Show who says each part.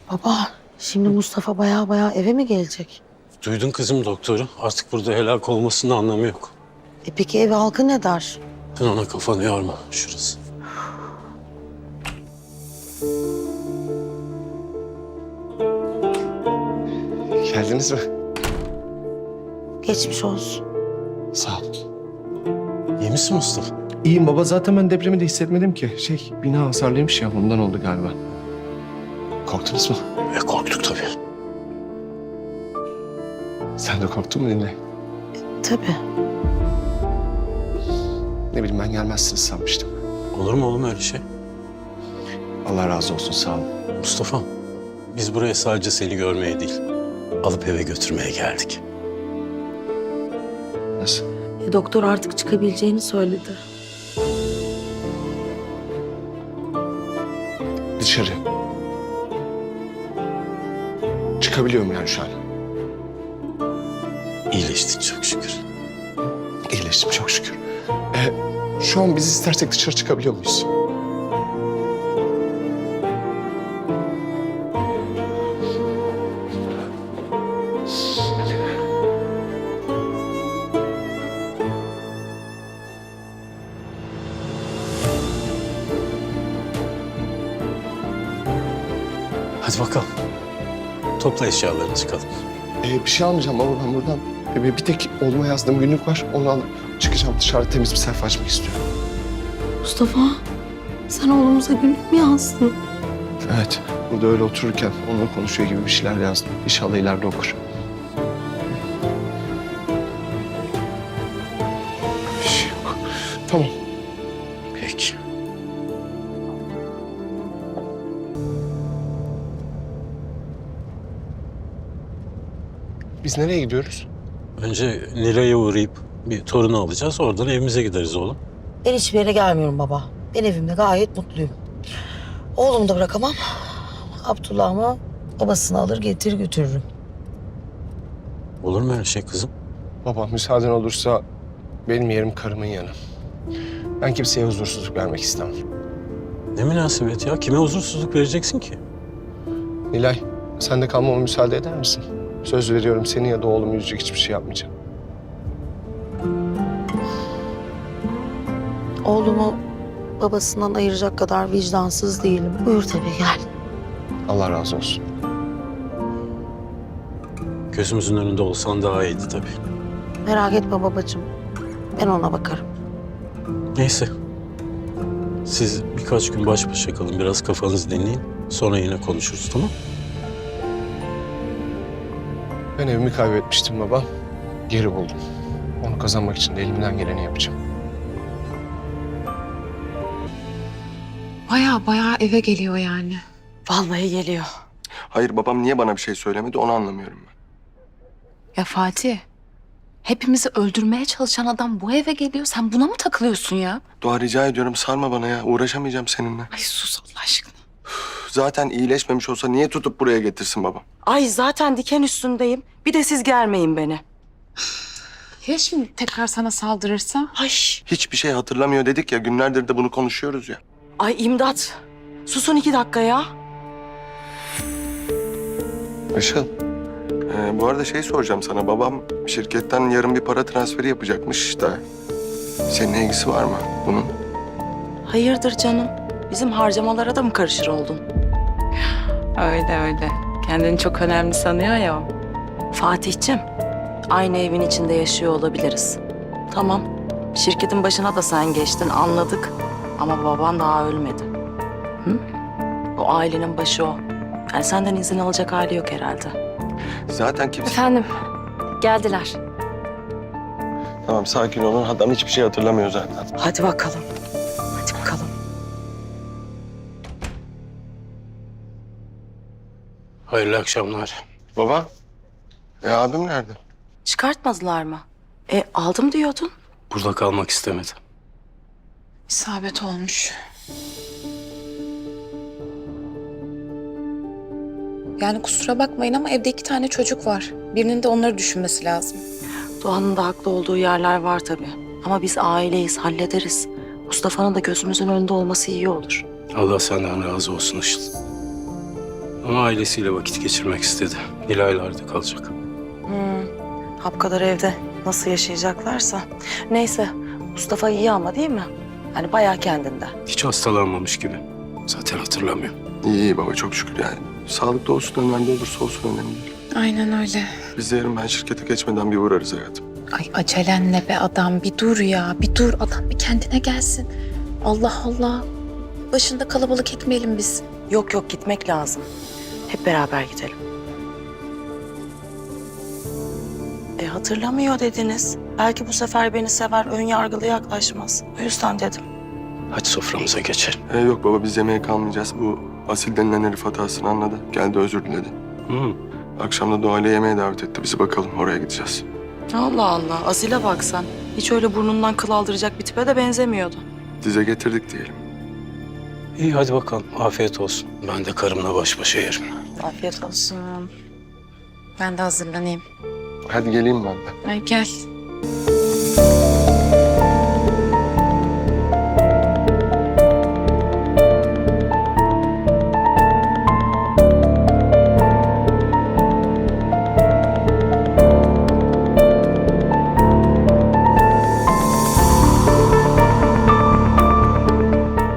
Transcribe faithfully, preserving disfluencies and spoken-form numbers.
Speaker 1: Baba, şimdi Mustafa baya baya eve mi gelecek?
Speaker 2: Duydun kızım doktoru. Artık burada helak olmasının anlamı yok.
Speaker 1: E peki ev halkı ne der?
Speaker 2: Sen ona kafanı yorma. Şurası.
Speaker 3: Geldiniz mi?
Speaker 1: Geçmiş olsun.
Speaker 3: Sağ ol.
Speaker 2: İyi misin Mustafa?
Speaker 3: İyiyim baba. Zaten ben depremi de hissetmedim ki. Şey, bina hasarlıymış ya. Ondan oldu galiba. Korktunuz mu?
Speaker 2: E korktuk tabii.
Speaker 3: Sen de korktun mu Nilay?
Speaker 1: Tabii.
Speaker 3: Ne bileyim ben gelmezsiniz sanmıştım.
Speaker 2: Olur mu oğlum öyle şey?
Speaker 3: Allah razı olsun. Sağ olun.
Speaker 2: Mustafa, biz buraya sadece seni görmeye değil, alıp eve götürmeye geldik.
Speaker 3: Nasıl?
Speaker 1: E, doktor artık çıkabileceğini söyledi.
Speaker 3: Dışarı. Çıkabiliyorum yani şu an.
Speaker 2: İyileştin çok şükür.
Speaker 3: İyileştim çok şükür. Ee, şu an biz istersek dışarı çıkabiliyor muyuz?
Speaker 2: Hadi bakalım. Topla eşyalarını çıkalım.
Speaker 3: Ee, bir şey almayacağım baba ben buradan. Ee, bir tek oğluma yazdığım günlük var. Onu alıp çıkacağım. Dışarıda temiz bir sayfa açmak istiyorum.
Speaker 1: Mustafa, sen oğlumuza günlük mü yazdın?
Speaker 3: Evet. Burada öyle otururken onunla konuşuyor gibi bir şeyler yazdım. İnşallah ileride okur. Bir şey yok. Tamam.
Speaker 2: Peki.
Speaker 3: Biz nereye gidiyoruz?
Speaker 2: Önce Nilay'a uğrayıp bir torunu alacağız. Oradan evimize gideriz oğlum.
Speaker 1: Ben hiçbir yere gelmiyorum baba. Ben evimde gayet mutluyum. Oğlumu da bırakamam. Abdullah'ımı babasını alır getir götürürüm.
Speaker 2: Olur mu öyle şey kızım?
Speaker 3: Baba müsaaden olursa benim yerim karımın yanı. Ben kimseye huzursuzluk vermek istemem.
Speaker 2: Ne münasebet ya? Kime huzursuzluk vereceksin ki?
Speaker 3: Nilay, sen de kalmama müsaade eder misin? Söz veriyorum seni ya da oğlumu üzecek hiçbir şey yapmayacağım.
Speaker 1: Oğlumu babasından ayıracak kadar vicdansız değilim. Buyur tabii gel.
Speaker 3: Allah razı olsun.
Speaker 2: Gözümüzün önünde olsan daha iyiydi tabii.
Speaker 1: Merak etme babacığım. Ben ona bakarım.
Speaker 2: Neyse. Siz birkaç gün baş başa kalın. Biraz kafanızı dinleyin. Sonra yine konuşuruz, tamam?
Speaker 3: Ben evimi kaybetmiştim baba. Geri buldum. Onu kazanmak için de elimden geleni yapacağım.
Speaker 4: Baya baya eve geliyor yani.
Speaker 1: Vallahi geliyor.
Speaker 5: Hayır babam niye bana bir şey söylemedi onu anlamıyorum ben.
Speaker 4: Ya Fatih, hepimizi öldürmeye çalışan adam bu eve geliyor. Sen buna mı takılıyorsun ya?
Speaker 5: Doğa rica ediyorum sarma bana ya uğraşamayacağım seninle.
Speaker 4: Ay sus Allah aşkına.
Speaker 5: Zaten iyileşmemiş olsa niye tutup buraya getirsin babam?
Speaker 6: Ay zaten diken üstündeyim. Bir de siz germeyin beni.
Speaker 4: Ya şimdi tekrar sana saldırırsa?
Speaker 6: Ay,
Speaker 5: Hiçbir şey hatırlamıyor dedik ya günlerdir de bunu konuşuyoruz ya.
Speaker 6: ay imdat. Susun iki dakika ya.
Speaker 5: Işıl. Ee, bu arada şey soracağım sana. Babam şirketten yarın bir para transferi yapacakmış da. Senin ilgisi var mı bunun?
Speaker 6: Hayırdır canım? Bizim harcamalara da mı karışır oldun?
Speaker 4: Öyle öyle. Kendini çok önemli sanıyor ya o.
Speaker 6: Fatih'cim, aynı evin içinde yaşıyor olabiliriz. Tamam, şirketin başına da sen geçtin anladık. Ama baban daha ölmedi. Hı? O ailenin başı o. Yani senden izin alacak hali yok herhalde.
Speaker 5: Zaten kimse...
Speaker 7: Efendim, geldiler.
Speaker 5: Tamam sakin olun. Adam hiçbir şey hatırlamıyor zaten.
Speaker 6: Hadi bakalım. Hadi bakalım.
Speaker 2: Hayırlı akşamlar.
Speaker 5: Baba. E abim nerede?
Speaker 6: Çıkartmadılar mı? E aldım diyordun.
Speaker 2: Burada kalmak istemedi.
Speaker 4: İsabet olmuş. Yani kusura bakmayın ama evde iki tane çocuk var. Birinin de onları düşünmesi lazım.
Speaker 6: Doğan'ın da haklı olduğu yerler var tabii. Ama biz aileyiz, hallederiz. Mustafa'nın da gözümüzün önünde olması iyi olur.
Speaker 2: Allah senden razı olsun Işıl. Ama ailesiyle vakit geçirmek istedi. Nilaylar'da kalacak.
Speaker 6: Hmm. Hap kadar evde nasıl yaşayacaklarsa. Neyse, Mustafa iyi ama değil mi? Hani bayağı kendinde.
Speaker 2: Hiç hastalanmamış gibi. Zaten hatırlamıyor.
Speaker 5: İyi iyi baba çok şükür yani. Sağlıklı olsun, nerede olursa olsun önemli değil.
Speaker 4: Aynen öyle.
Speaker 5: Biz de yarın ben şirkete geçmeden bir uğrarız hayatım.
Speaker 4: Ay acelen ne be adam, bir dur ya, bir dur adam bir kendine gelsin. Allah Allah. Başında kalabalık etmeyelim biz.
Speaker 6: Yok yok gitmek lazım. Hep beraber gidelim. E hatırlamıyor dediniz. Belki bu sefer beni sever, ön yargılı yaklaşmaz. O yüzden dedim.
Speaker 2: Hadi soframıza geçelim.
Speaker 5: Ee, yok baba biz yemeğe kalmayacağız. Bu Asil denilen herif hatasını anladı. Geldi özür diledi.
Speaker 2: Hı.
Speaker 5: Akşam da Doğa ile yemeğe davet etti. Bizi bakalım oraya gideceğiz.
Speaker 6: Allah Allah, Asil'e bak sen. Hiç öyle burnundan kıl aldıracak bir tipe de benzemiyordu.
Speaker 5: Dize getirdik diyelim.
Speaker 2: İyi hadi bakalım. Afiyet olsun. Ben de karımla baş başa yerim.
Speaker 6: Afiyet olsun.
Speaker 4: Ben de hazırlanayım.
Speaker 5: Hadi geleyim ben de.
Speaker 4: Ay gel.